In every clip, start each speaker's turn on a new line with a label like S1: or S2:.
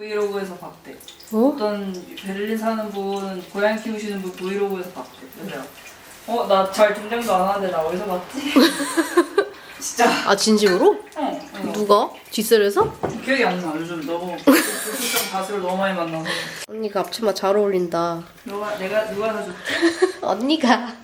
S1: 브이로그에서 봤대.
S2: 어?
S1: 어떤 베를린 사는 분, 고양이 키우시는 분 브이로그에서 봤대. 그래서 나 잘 등장도 안 하는데 나 어디서 봤지? 진짜.
S2: 아 진심으로?
S1: 어.
S2: 누가? 뒷셀에서?
S1: 기억이 안 나. 요즘 너무 불특정 가수를 너무 많이 만나서.
S2: 언니가 앞치마 잘 어울린다.
S1: 누가 사줬지?
S2: 언니가.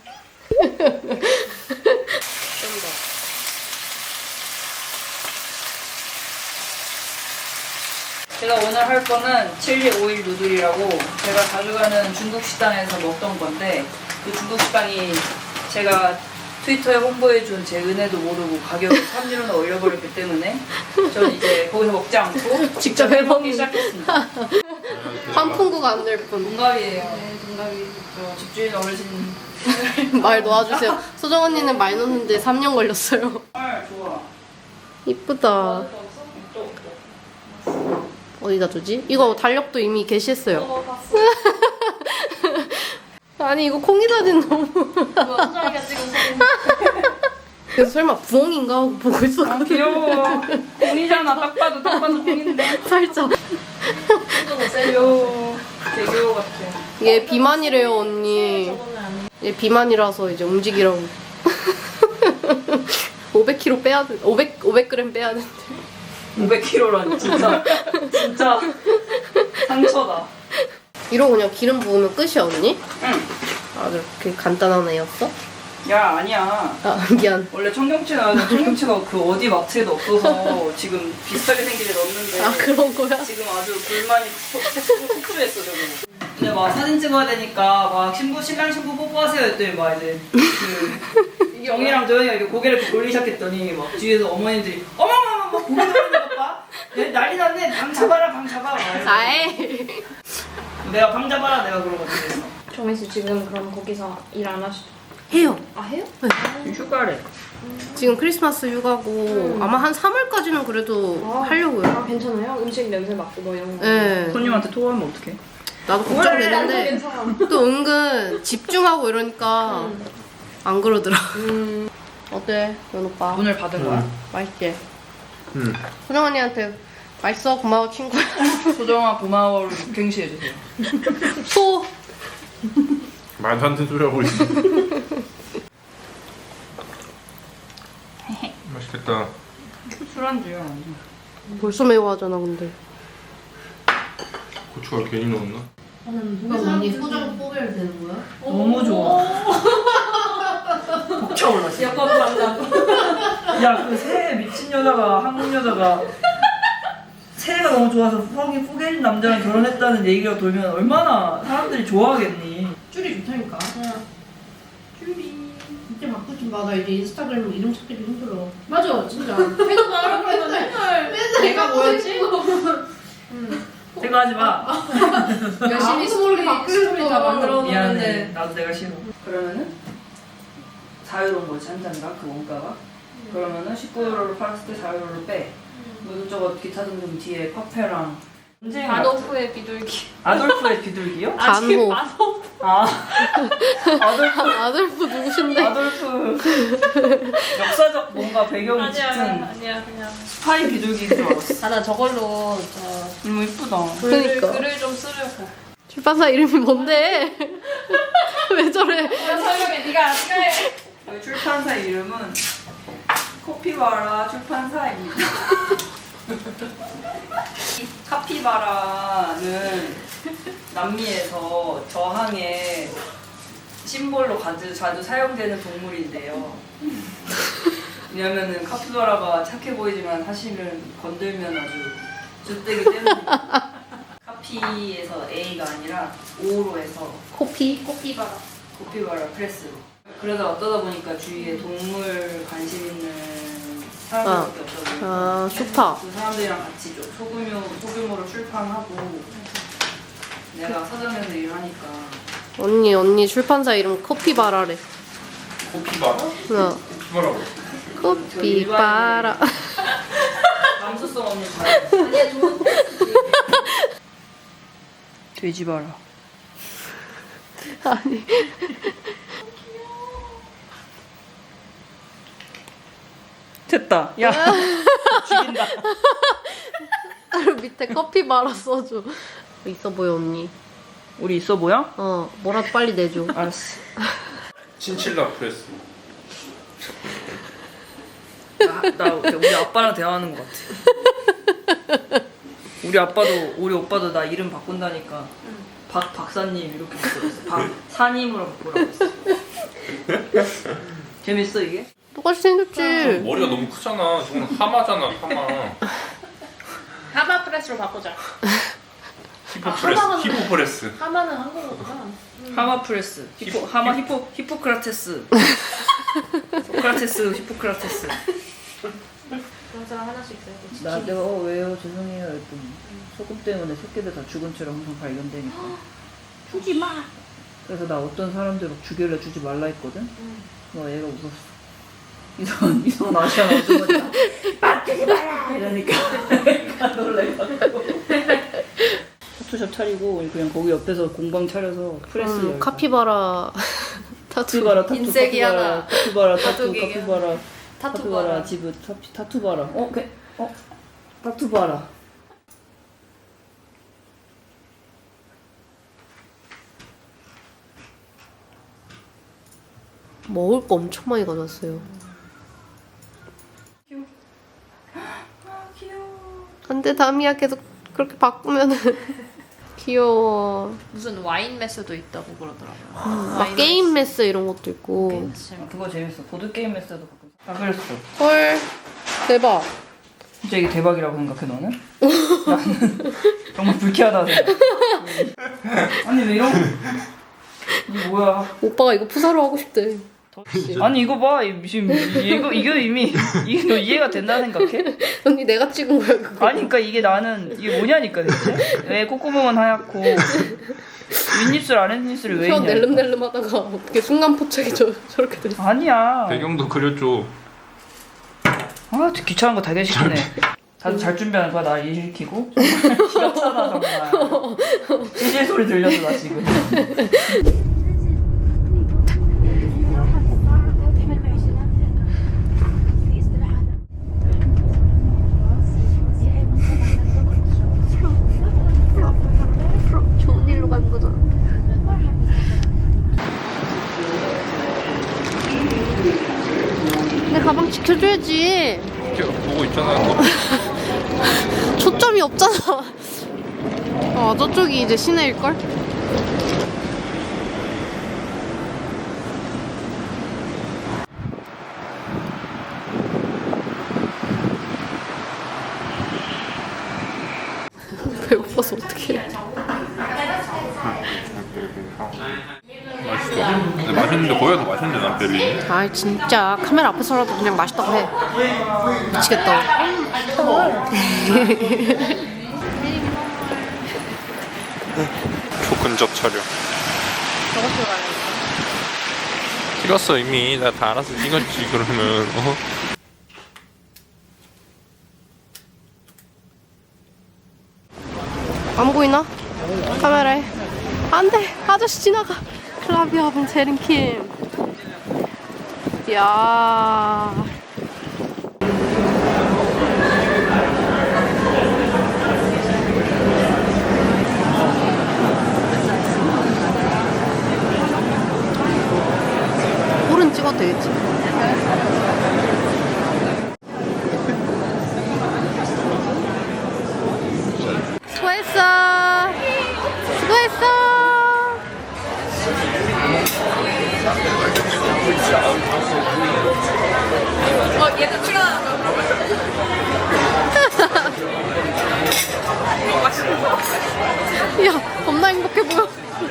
S1: 제가 오늘 할 거는 칠리 오일 누들이라고 제가 자주 가는 중국 식당에서 먹던 건데 그 중국 식당이 제가 트위터에 홍보해준 제 은혜도 모르고 가격을 3유로나 올려버렸기 때문에 저는 이제 거기서 먹지 않고
S2: 직접
S1: 해먹기 시작했습니다.
S2: 환풍구가 안 될 뿐.
S1: 동갑이에요. 네, 동갑이. 저 집주인 어르신.
S2: 말 놓아주세요. 소정 언니는 말 놓는데 3년 걸렸어요.
S1: 헐, 좋아.
S2: 이쁘다.
S1: 또.
S2: 어디다 두지? 이거 달력도 이미 게시했어요.
S1: 봤어.
S2: 아니 이거 콩이 사진 너무.
S1: 소정이가 찍은 사진.
S2: 그래서 설마 부엉인가 하고 보고 있었거든.
S1: 귀여워. 공이잖아. 딱 봐도 공인데.
S2: 살짝.
S1: 귀여워. 개귀여워 같아.
S2: 얘 비만이래요 언니. 얘 비만이라서 이제 움직이라고. 500kg 빼야 돼. 500g 빼야 돼.
S1: 500kg라니 진짜 상처다.
S2: 이러고 그냥 기름 부으면 끝이야 언니?
S1: 응.
S2: 아 그렇게 간단한 애였어?
S1: 야 아니야.
S2: 아 미안.
S1: 원래 청경채 나왔는데 청경채가 그 어디 마트에도 없어서 지금 비슷하게 생긴 애 넣었는데
S2: 아 그런 거야?
S1: 지금 아주 불만이 폭주했어 저거. 근데 막 사진 찍어야 되니까 막 신랑 신부 뽀뽀하세요 했더니 막 이제 그 영희랑 도현이가 이렇게 고개를 이렇게 돌리기 시작했더니 막 뒤에서 어머님들이 어머머머 고개 돌리는 것 봐. 난리 났네. 방 잡아라 방 잡아.
S2: 아이.
S1: 내가 방 잡아라 내가 그러거든.
S3: 정민 씨 지금 그럼 거기서 일 안 하시죠?
S2: 해요.
S3: 아 해요?
S1: 휴가래.
S2: 지금 크리스마스 휴가고 아마 한 3월까지는 그래도
S3: 아.
S2: 하려고요.
S3: 아 괜찮아요? 음식 냄새 맡고 뭐 이런 거.
S2: 네.
S1: 손님한테 토하면 어떡해?
S2: 나도
S3: 나도
S2: 걱정되는데
S3: 괜찮아.
S2: 또 은근 집중하고 이러니까 안 그러더라. 어때, 연 오빠?
S1: 돈을 받은 거야?
S2: 맛있지? 소정 언니한테 맛있어 고마워 친구야.
S1: 소정아 고마워를 갱시해주세요.
S2: 소.
S4: 말도 안 되는 소리 하고 있어. 맛있겠다.
S1: 술안주야.
S2: 벌써 매워하잖아 근데.
S4: 고추가 괜히 넣었나?
S2: 언니 소정 뽑아야 되는 거야?
S1: 너무 좋아. 벅차올라.
S3: 약간 달라.
S1: 야그 새해 미친 여자가 한국 여자가 새해가 너무 좋아서 후계인 남자랑 결혼했다는 얘기가 돌면 얼마나 사람들이 좋아하겠니?
S2: 줄이 좋다니까. 이제 바꾸지 마. 나 이제 인스타그램 이름 찾기도 힘들어.
S3: 맞아 진짜. 해도 말하고 맨날
S2: 내가 뭐였지?
S1: 생각하지 마.
S3: 열심히 스토리 다 만들어
S1: 미안해.
S3: 놓는데.
S1: 나도 내가 싫어. 그러면은 자유로운 거지 한 잔가 그 원가가. 그러면은 19유로를 팔았을 때 4유로를 빼. 뭐 이것저것 기타 등등 뒤에 파페랑 언제
S3: 아도프의 비둘기.
S1: 아돌프의 비둘기요?
S2: 간호.
S1: 아 아돌프
S2: 아들부 누구신데?
S1: 아돌프 역사적 뭔가 배경이
S3: 아니야
S1: 짙은
S3: 아니야 그냥.
S1: 스파이 비둘기인 줄 알았어.
S3: 아 나 저걸로
S1: 너무 이쁘다.
S2: 그러니까.
S3: 글을 좀 쓰려고.
S2: 출판사 이름이 뭔데? 왜 저래?
S3: 설명해 네가 해.
S1: 저희 출판사 이름은 코피바라 출판사입니다. 이 카피바라는 남미에서 저항의 심볼로 자주 사용되는 동물인데요. 왜냐면은 카피바라가 착해 보이지만 사실은 건들면 아주 쭌되기 때문입니다. 카피에서 A가 아니라 O로 해서
S2: 코피?
S3: 꽃피바라.
S1: 코피바라 프레스로. 그러다 어떠다 보니까 주위에 동물 관심 있는 사람들밖에 없다 보니까
S2: 아 슈파.
S1: 그 사람들이랑 같이 좀 소규모로 출판하고 내가 서점에서 일을 하니까
S2: 언니 출판사 이름 코피바라래.
S4: 코피바라?
S2: 어.
S4: 코피바라고.
S2: 코피바라.
S1: 감수성 없는 말. 돼지 봐라.
S2: 아니.
S1: 됐다. 야 죽인다.
S2: 그리고 밑에 커피바라 써줘. 있어 보여 언니.
S1: 우리 있어 보여?
S2: 뭐라도 빨리 내줘.
S1: 알았어.
S4: 친칠라 프레스.
S1: 나 우리 아빠랑 대화하는 것 같아. 우리 오빠도 나 이름 바꾼다니까 박사님 이렇게 바꾸었어. 박사님으로 바꾸라고 했어. 재밌어 이게?
S2: 똑같이 생겼지.
S4: 머리가 너무 크잖아. 저건 하마잖아, 하마.
S3: 하마 프레스로 바꾸자.
S4: 히포프레스.
S3: 하마는 한국어구나.
S1: 하마 프레스. 히포크라테스. 소크라테스, 히포크라테스.
S3: 그런 사람 하나씩 있어야지.
S1: 나 내가 왜요 죄송해요 했더니 소금 때문에 새끼들 다 죽은 채로 항상 발견되니까 주지 마. 그래서 나 어떤 사람들 막 주길래 주지 말라 했거든. 얘가 웃었어. 이상한 아시안 아주머니가 주지 마라 이러니까 내가 놀래가지고 타투샵 차리고 그냥 거기 옆에서 공방 차려서 프레스 열고.
S2: 카피바라 타투.
S1: 카피바라 타투.
S3: 인색이 하나.
S1: 카피바라 타투.
S3: 가족이에요.
S1: 카피바라
S3: 타투바라.
S1: 타투바라 지브 타투바라. 타투바라.
S2: 먹을 거 엄청 많이 가져왔어요. 안돼 다미야 계속 그렇게 바꾸면은 귀여워.
S3: 무슨 와인 메스도 있다고 그러더라고요.
S2: 막 게임 메스 이런 것도 있고.
S1: 그거 재밌어. 보드 게임 메스도 가끔. 그랬어.
S2: 헐 대박.
S1: 진짜 이게 대박이라고 생각해 너는? 나는 정말 불쾌하다고 생각해. 아니 왜 이런? 이게 뭐야?
S2: 오빠가 이거 푸사로 하고 싶대.
S1: 아니 이거 봐 지금 이거 이미 이게 너 이해가 된다는 생각해?
S2: 언니 내가 찍은 거야 그거.
S1: 아니 그러니까 이게 나는 이게 뭐냐니까 대체? 왜 콧구멍은 하얗고 윗입술 아랫입술이 왜
S2: 혀
S1: 있냐?
S2: 낼름낼름 하다가 어떻게 순간 포착이 저렇게 됐어.
S1: 아니야.
S4: 배경도 그려줘.
S1: 아 귀찮은 거 되게 시키네. 다들 잘 준비하는 거야 나 일시키고. 지겹잖아 정말. 찌질 소리 들려서 나 지금.
S2: 좋은 일로 간 거잖아. 내 가방 지켜줘야지.
S4: 보고 있잖아.
S2: 초점이 없잖아. 저쪽이 이제 시내일걸? 배고파서 어떡해.
S4: 맛있어. 근데 맛있는데 거기가 더 맛있는데 난 베리.
S2: 아 진짜 카메라 앞에서라도 그냥 맛있다고 해. 미치겠다.
S4: 초근접 촬영. 찍었어 이미. 나 다 알아서 찍었지 그러면.
S2: 안 보이나? 카메라에. 안 돼! 아저씨 지나가! 클라비아 분 제린킴. 이야. 홀은 찍어도 되겠지? 수고했어! 수고했어!
S3: 얘도 출연하는
S2: 야, 겁나 행복해 보여.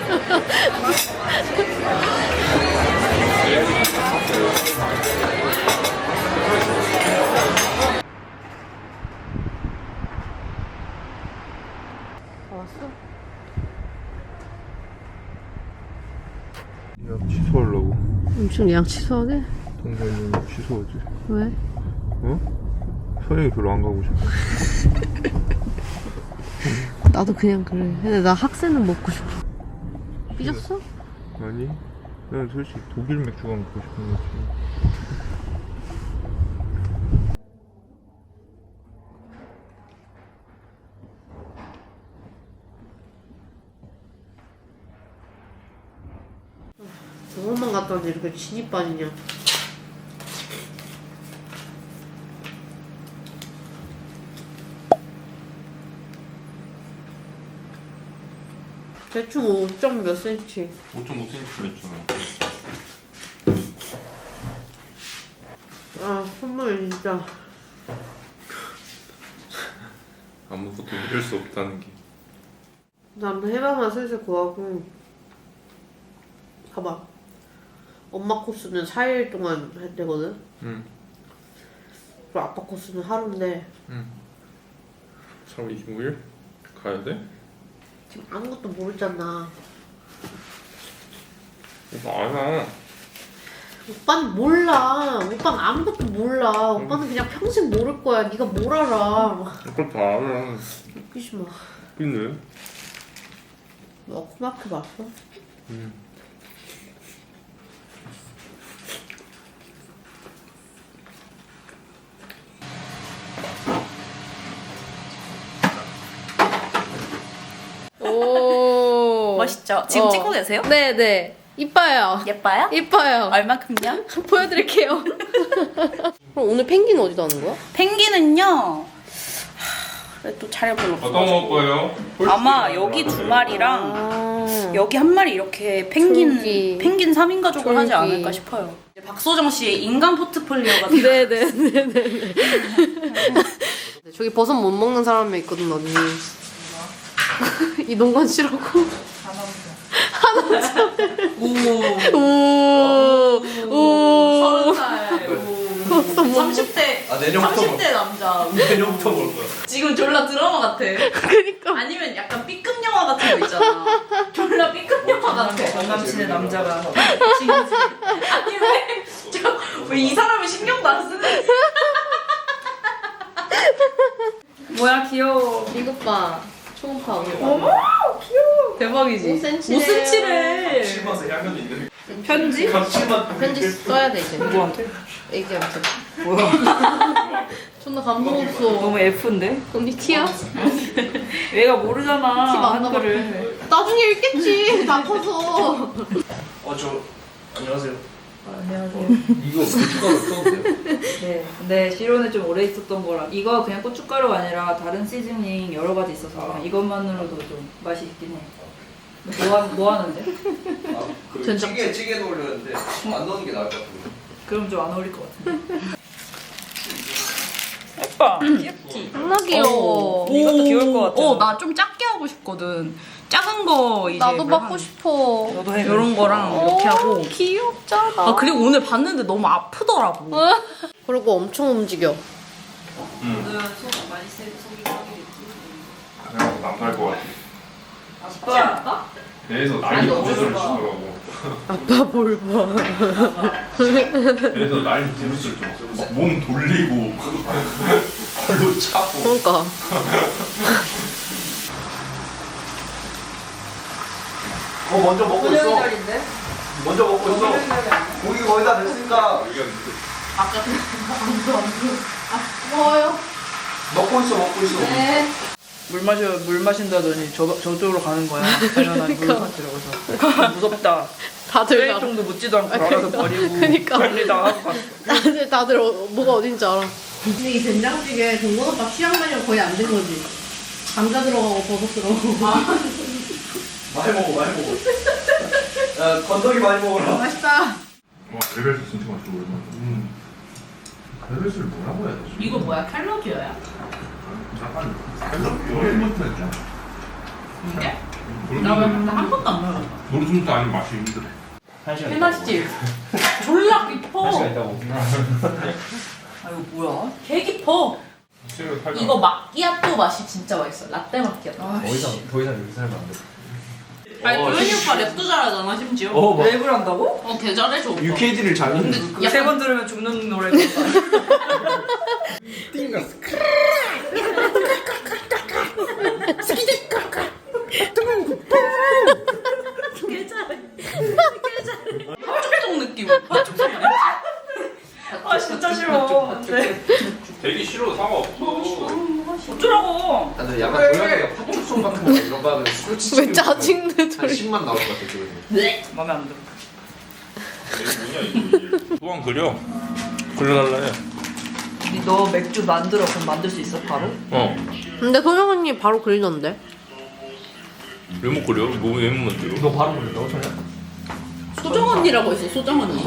S2: 왔어?
S4: 예약 취소하려고.
S2: 엄청 예약 취소하게?
S4: 동생이 취소하지.
S2: 왜?
S4: 어? 선영이 별로 안 가고 싶어.
S2: 나도 그냥 그래. 근데 나 학생은 먹고 싶어. 삐졌어?
S4: 아니, 난 솔직히 독일 맥주가 먹고 싶은 거지.
S2: 번만 갔다 왔는데 이렇게 진이 빠지냐. 대충 5점 몇 cm.
S4: 5.5cm 했잖아.
S2: 아, 선물 진짜.
S4: 아무것도 이럴 수 없다는 게.
S2: 난 해봐만 슬슬 구하고. 봐봐. 엄마 코스는 4일 동안 했대거든?
S4: 응.
S2: 그리고 아빠 코스는 하루인데.
S4: 응. 3월 25일? 가야 돼?
S2: 지금 아무것도 모르잖아.
S4: 오빠 알아.
S2: 오빠는 몰라. 오빠는 아무것도 몰라. 오빠는 그냥 평생 모를 거야. 네가 뭘 알아.
S4: 오빠 다 알아.
S2: 웃기지 마.
S4: 근데?
S2: 너 코마크 봤어?
S4: 응.
S2: 오.
S3: 멋있죠? 지금 찍고 계세요?
S2: 네네. 이뻐요.
S3: 예뻐요?
S2: 이뻐요.
S3: 얼마큼요?
S2: 보여드릴게요. 그럼 오늘 펭귄 어디다 하는 거야?
S3: 펭귄은요. 또 잘
S4: 어떤
S3: 불렀어.
S4: 거 먹을 거예요?
S3: 아마 여기 2마리랑
S2: 아.
S3: 여기 한 마리 이렇게 펭귄
S2: 졸기.
S3: 펭귄 3인 가족을 하지
S2: 졸기.
S3: 않을까 싶어요. 박소정 씨의 인간 포트폴리오가
S2: 네네네네. 저기 버섯 못 먹는 사람이 있거든 언니. 이동건 씨라고. 오. 오.
S3: 30대
S5: 아 내년부터
S3: 30대 남자.
S5: 내년부터 볼 거야.
S3: 지금 졸라 드라마 같아.
S2: 그니까.
S3: 아니면 약간 B급 영화 같은 거 있잖아. 졸라 B급 영화 같아.
S1: 전남친의 남자가
S3: 아니 왜 이 사람은 신경도 안 쓰는?
S1: 뭐야 귀여워.
S2: 이것 봐. 초음파.
S1: 어머 귀여워. 대박이지.
S2: 5cm.
S3: 5cm래.
S5: 심어서 향연이 있는.
S1: 편지?
S2: 편지 써야 돼 이제.
S1: 누구한테?
S2: 애기한테.
S1: 뭐야?
S2: 존나 감동 없어.
S1: 너무 F인데?
S2: 언니 티야?
S1: 얘가 모르잖아
S2: 티 많나
S1: 한글을.
S2: 나중에 읽겠지. 다 커서.
S5: 저 안녕하세요.
S1: 안녕하세요.
S5: 이거 고춧가루 써도 돼요?
S1: 네, 근데 실온에 좀 오래 있었던 거라 이거 그냥 고춧가루가 아니라 다른 시즈닝 여러 가지 있어서 그냥 이것만으로도 좀 맛이 있긴 해. 뭐 하는데?
S5: 그 찌개 넣으려는데 안 넣는 게 나을 것 같은데.
S1: 그럼 좀 안 어울릴 것 같은데. 예뻐, 귀엽지?
S2: 존나 귀여워.
S1: 이것도 귀여울 것 같아.
S3: 나 좀 작게 하고 싶거든. 작은 거 이제
S2: 나도
S3: 뭐
S2: 받고
S3: 한-
S2: 싶어.
S1: 너도 해.
S3: 이런 거랑 이렇게 하고.
S2: 귀엽잖아.
S3: 아 그리고 오늘 봤는데 너무 아프더라고.
S2: 그리고 엄청 움직여.
S1: 오늘 속 많이 세고 속이 썩이겠지.
S4: 그냥 남갈 것 같아.
S1: 아빠.
S4: 배에서 난리 부르스를 치더라고.
S2: 아빠 뭘 봐.
S4: 배에서 난리 부르스를 좀. 막몸 돌리고 발로 차고.
S2: 그러니까.
S5: 먼저 먹고
S1: 소정이
S5: 있어.
S1: 자리인데?
S5: 먼저 먹고 있어.
S1: 소정이 자리 아니야?
S5: 고기 거의 다 됐으니까
S2: 고마워요.
S5: 먹고 있어 먹고 있어.
S2: 네.
S1: 물 마신다더니 저쪽으로 가는 거야. 당연한 물 마시려고서. 무섭다.
S2: 다들 나.
S1: 쓰레기통도 묻지도 않고 알아서 버리고.
S2: 그니까.
S1: 멀리다 하고 갔어.
S2: 다들 뭐가 어딘지 알아. 근데 이 된장찌개 동건 오빠 취향 반영 거의 안 된 거지. 감자 들어가고 버섯 들어가고.
S5: 많이 먹어 많이 먹어. 야 건더기 많이 먹어라.
S2: 맛있다.
S4: 와 베베스 진짜 맛있어 오랜만에. 베베스를 뭐라고 해야 되지?
S3: 이거 뭐야? 캘러지어야?
S4: 약간 노르스문트 했죠?
S3: 이게? 나한 번도 안 먹어봤어.
S4: 노르스문트 아닌 맛이 힘들어.
S3: 해맛집. 졸라 깊어.
S5: 있다고.
S1: 아 이거 뭐야?
S3: 개 깊어.
S4: 치를 살짝.
S3: 이거 마끼아또 맛이 진짜 맛있어. 라떼 마끼아또.
S1: 아,
S5: 더 이상 이렇게 살면 안 돼.
S3: 아니 도현이 오빠 랩도 잘하잖아 심지어.
S1: 랩을 한다고?
S3: 개 잘해줘 오빠.
S5: UKD를 잘 넣는.
S1: 그거 세 번 들으면 죽는 노래 같다.
S3: 혈종 느낌.
S1: 아 진짜 싫어. 안돼.
S4: 되기 싫어 상관없어.
S1: 어쩌라고?
S5: 근데 약간 고양이가 파충송 같은 거 이런 거 하면 술 치는
S2: 왜 짜증내
S5: 한
S2: 소리.
S5: 10만 나올 것 같아 지금.
S3: 네.
S1: 마음에 안 들어.
S6: 또한 그려. 그려달라 해.
S1: 너 맥주 만들어 그럼 만들 수 있어 바로?
S2: 근데 소정 언니 바로 그리던데.
S6: 왜 못 그려? 왜 못 만들어?
S5: 너 바로 그린다고 전혀?
S3: 소정 언니라고 했어. 소정 언니.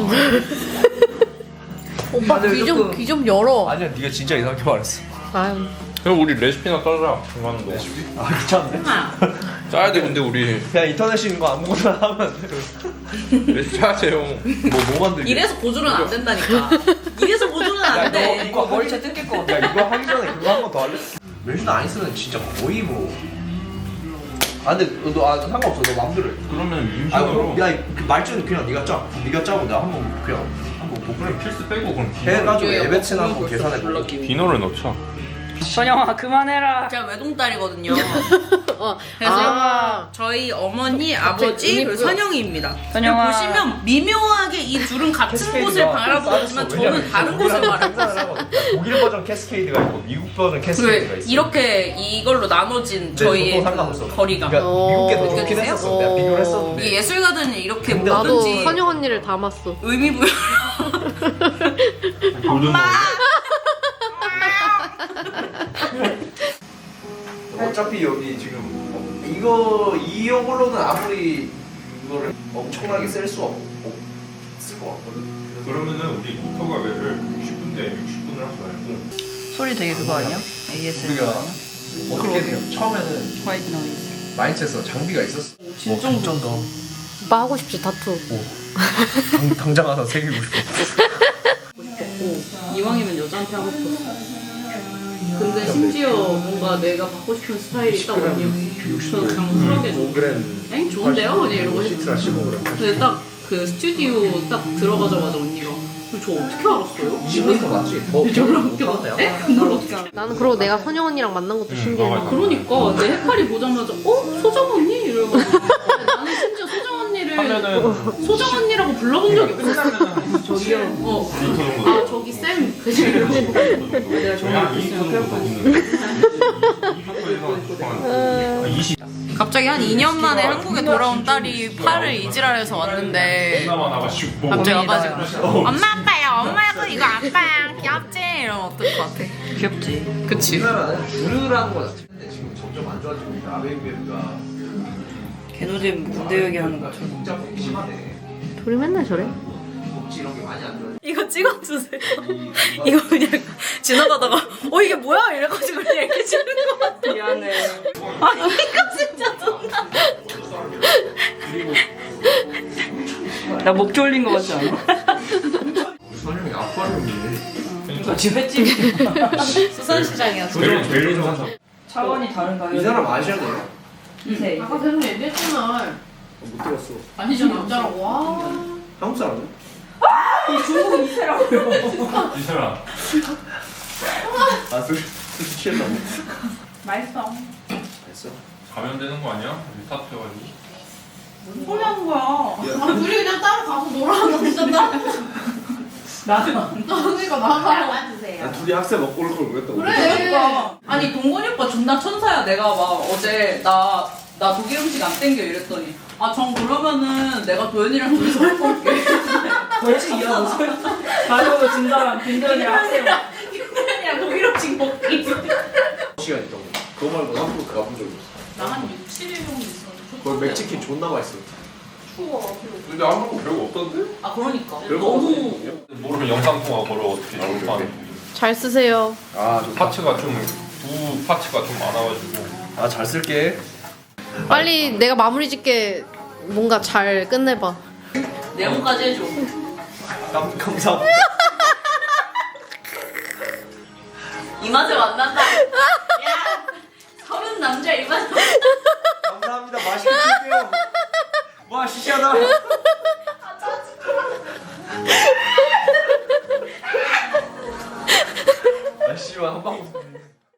S2: 오빠
S1: 다들
S2: 귀 좀
S1: 조금-
S2: 귀 좀 열어.
S5: 아니야 네가 진짜 이상하게 말했어.
S2: 아유.
S6: 그럼 우리 레시피나 따라. 하는 거.
S5: 아 귀찮네.
S6: 짜야 돼 근데 우리
S5: 그냥 인터넷에 있는 거 아무거나 하면 안 돼.
S6: 레시피 짜세요.
S5: 뭐 만들기?
S3: 이래서 고주는 안 된다니까. 이래서 고주는 안 돼.
S5: 이거
S1: 머리채 뜯길 것 같아.
S5: 야 이거 하기 전에 그거 한 번 더 할래? 멜준 안 있으면 진짜 거의 뭐. 아 근데 너 상관없어. 너 마음대로 해.
S6: 그러면
S5: 아 그럼
S6: 임신으로
S5: 야그 말주는 그냥 네가 짜. 네가 짜고 내가 한번 그냥 한번
S6: 그럼 필수 빼고 그럼
S5: 해가지고
S3: 이게
S5: 에베츠나
S3: 영어
S5: 한번
S3: 벌써
S5: 계산해 보고.
S3: 불렀기.
S6: 비너를 넣자.
S1: 선영아 그만해라.
S3: 제가 외동딸이거든요.
S2: 어.
S3: 그래서
S2: 아.
S3: 저희 어머니, 아버지,
S2: 의미
S3: 그리고
S2: 부여.
S3: 선영이입니다.
S1: 선영아.
S3: 보시면 미묘하게 이 둘은 같은 곳을 바라보고 있지만 저는 다른 곳을 바라보고 있어요.
S5: 독일 버전 캐스케이드가 있고 미국 버전 캐스케이드가 있어.
S3: 이렇게 이걸로 나눠진 저희의
S5: 상관없어.
S3: 그 거리감.
S5: 그러니까 미국 게 더 좋긴
S3: 느껴지세요?
S5: 했었어. 내가 비교를 했었는데.
S3: 이 예술가들은 이렇게
S5: 근데
S2: 나도
S3: 뭐든지
S2: 선영 언니를 닮았어.
S3: 의미 부여.
S6: 골든
S5: 어차피 여기 지금 이걸로는 아무리 이거를 엄청나게 쓸 없을 것 같거든.
S6: 그러면은 우리 모터 가게를 60분대 60분을 하지 말고
S1: 소리 되게 그거 아니야? ASMR
S5: 우리가
S1: 아니야?
S5: 어떻게 돼요? 처음에는
S1: 화이트 노이즈.
S5: 마인드에서 장비가 있었어.
S3: 진짜
S5: 더
S2: 오빠 하고 싶지 타투.
S5: 당장 가서 새기고 싶어.
S3: 이왕이면 여자한테 하고 싶었어. 근데 심지어 뭔가 내가 받고 싶은 스타일이 딱 언니였어. 저는 그냥 쿨하게 줘.
S5: 5g.
S3: 엥? 좋은데요? 그냥 이러고 했지.
S5: 15g.
S3: 근데 딱 그 스튜디오 딱 들어가자마자 언니가 저 어떻게 알았어요?
S5: 20g 더 낫지. 더
S3: 졸라 웃겨. 에? 그걸 어떻게 알아?
S2: 나는 그러고 내가 선영 언니랑 만난 것도 신기해.
S6: 맞아.
S3: 그러니까 내 해파리 보자마자 소정 언니? 이러고 나는 심지어 소정 언니를
S6: 하면은
S3: 소정 언니라고 불러본 적이 없어.
S6: 끝나면은
S3: 저기요.
S6: 리터 정도.
S3: 아 저기 쌤. 그치 이러고.
S1: 내가 정말
S6: 2 정도 먹는 20
S3: 갑자기 한 2년 만에 한국에 돌아온 딸이 팔을 이지랄해서 왔는데
S6: 나만 나가지고
S3: 갑자기 와가지고 엄마 아빠야 엄마야 이거 아빠야 귀엽지? 이러면 어떨 것 같아?
S1: 귀엽지.
S3: 그치.
S5: 우리나라는 주르라는 거 자체. 근데 지금 점점 안 좋아지고 있다. 아베이베가
S1: 개노잼 군대 얘기하는 것처럼.
S5: 진짜 심하네.
S2: 둘이 맨날 저래.
S5: 복지 이런 게 많이 안 좋아.
S3: 이거 찍어주세요. 이거 그냥 지나가다가 이게 뭐야? 이래가지고 그냥 이렇게 찍는 거 같아.
S1: 미안해.
S3: 아 이거 진짜 존나.
S1: 나 목 졸린 거 같지 않아?
S5: 선영이 아쿠아리움이네.
S1: 너 지금 횟집
S3: 수산시장이야.
S6: 제일 좋은
S1: 차원이 다른가요?
S5: 이 사람 아시아네요?
S1: 이세.
S2: 아까 계속 얘기했잖아.
S5: 못 들었어.
S3: 아니죠 남자라고. 와.
S5: 한국 사람은?
S1: 이 중국은 이세라고요.
S6: 이사람
S5: 술 취했다고.
S3: 맛있어.
S5: 됐어.
S6: 가면 되는 거 아니야? 타투 해가지고
S3: 무슨 소리 하는 거야? 아 둘이 그냥 따로 가서 놀아. 진짜 따로. 그러니까 나가.
S5: 난 둘이 학생 먹고 올 걸 그랬다고.
S3: 그러니까. 아니 동건이 오빠 존나 천사야. 내가 막 어제 나 독일 음식 안 땡겨 이랬더니 전 그러면은 내가 도현이랑 둘이서 먹고 올게.
S1: 벌칙 이어 무슨 가려고 진짜랑 빈전이랑 학생.
S3: 도현이랑 독일 음식 먹기.
S5: 시간 있다고. 그거 말고 한국 가본 적 없어.
S3: 나한 6, 7일 정도 있었는데.
S5: 거기 맥치킨 존나 맛있어.
S6: 근데 한국 별거 없던데?
S3: 그러니까.
S5: 별거
S3: 너무
S5: 없어.
S6: 모르면 영상통화 걸어 어떻게
S5: 오케이.
S2: 잘 쓰세요.
S5: 아 좋다.
S6: 파츠가 두 파츠가 좀 많아가지고
S5: 아잘 쓸게.
S2: 빨리 내가 마무리 짓게 뭔가 잘 끝내봐.
S3: 네모까지 해줘.
S5: 감사합니다.
S3: 이 맛에 만난다. 야, 서른 남자 이 맛에.
S5: 감사합니다. 맛있게 드릴게요. 와 시시하다. 아 씨발 한방